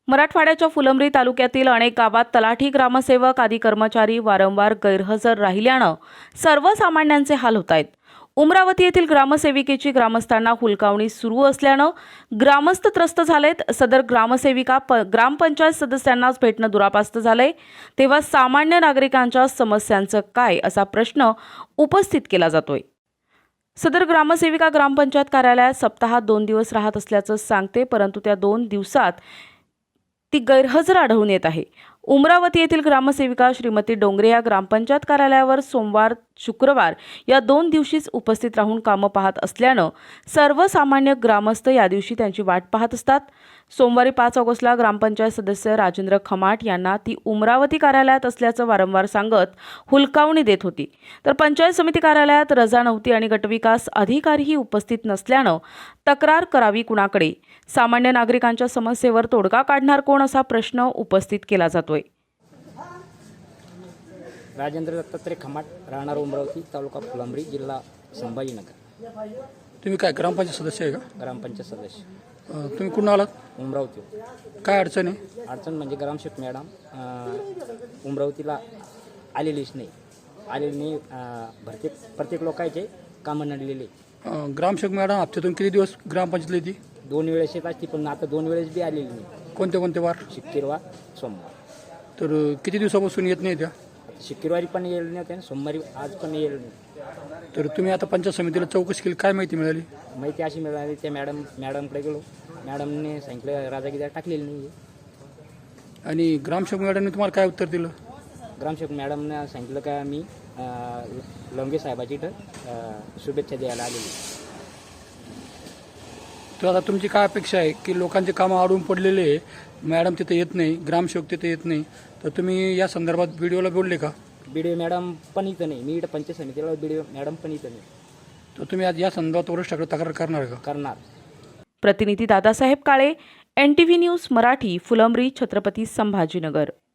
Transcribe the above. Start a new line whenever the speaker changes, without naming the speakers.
मराठवाड्याच्या फुलंब्री तालुक्यातील अनेक गावात तलाठी, ग्रामसेवक आदी कर्मचारी वारंवार गैरहजर राहिल्यानं सर्वसामान्यांचे हाल होत आहेत। उमरावती येथील ग्रामसेविकेची ग्रामस्थांना हुलकावणी सुरू असल्यानं ग्रामस्थ त्रस्त झालेत। सदर ग्रामसेविका ग्रामपंचायत सदस्यांनाच भेटणं दुरापास्त झालंय। तेव्हा सामान्य नागरिकांच्या समस्यांचं काय असा प्रश्न उपस्थित केला जातोय। सदर ग्रामसेविका ग्रामपंचायत कार्यालयात सप्ताहात 2 दिवस राहत असल्याचं सांगते, परंतु त्या 2 दिवसात ती गैरहजर आढळून येत आहे। उमरावती येथील ग्रामसेविका श्रीमती डोंगरे या ग्रामपंचायत कार्यालयावर सोमवार, शुक्रवार या 2 दिवशीच उपस्थित राहून कामं पाहत असल्यानं सर्वसामान्य ग्रामस्थ या दिवशी त्यांची वाट पाहत असतात। सोमवारी 5 ऑगस्टला ग्रामपंचायत सदस्य राजेंद्र खमाट यांना ती उमरावती कार्यालयात असल्याचं वारंवार सांगत हुलकावणी देत होती। तर पंचायत समिती कार्यालयात रजा नव्हती आणि गटविकास अधिकारीही उपस्थित नसल्यानं तक्रार करावी कुणाकडे? सामान्य नागरिकांच्या समस्येवर तोडगा काढणार कोण असा प्रश्न उपस्थित केला जातोय।
राजेंद्र दत्तात्रय खमाट, राहणार उमरावती, तालुका फुलंब्री, जिल्हा संभाजीनगर।
तुम्ही काय ग्रामपंचायत सदस्य आहे का?
ग्रामपंचायत सदस्य।
तुम्ही कुठून आलात?
उमरावती।
काय अडचण आहे?
अडचण म्हणजे ग्रामसेवक मॅडम उमरावतीला आलेलीच नाही, प्रत्येक लोकांचे कामं नडलेले।
ग्रामसेवक मॅडम हप्त्यातून किती दिवस ग्रामपंचायतला येते?
2 वेळेस येत असते, पण आता 2 वेळेस बी आलेली नाही।
कोणते कोणते वार?
शुक्रवार, सोमवार।
तर किती दिवसापासून येत नाही त्या?
शुक्रवारी पण येईल नव्हते आणि सोमवारी आज पण येईल नाही।
तर तुम्ही आता पंचायत समितीला चौकशी केली, काय माहिती मिळाली?
माहिती अशी मिळाली, त्या मॅडमकडे गेलो, मॅडमने सांगितलं राजागिरी टाकलेली नाही आहे।
आणि ग्रामसेवक मॅडमने तुम्हाला काय उत्तर दिलं?
ग्रामसेवक मॅडमने सांगितलं का मी लवंगे साहेबाची इथं शुभेच्छा द्यायला आलेली।
तर आता तुमची काय अपेक्षा आहे की लोकांचे कामं अडून पडलेले आहे, मॅडम तिथे येत नाही, ग्रामसेवक तिथे येत नाही, तर तुम्ही या संदर्भात व्हिडिओला बोलले का?
बीडीओ मॅडम पण इथं नाही, मी इथं पंचायत समितीला, बीडीओ मॅडम पण इथं नाही।
तर तुम्ही आज या संदर्भात वरिष्ठांकडे तक्रार करणार का?
करणार।
प्रतिनिधी दादासाहेब काळे, NTV न्यूज मराठी, फुलंब्री, छत्रपती संभाजीनगर।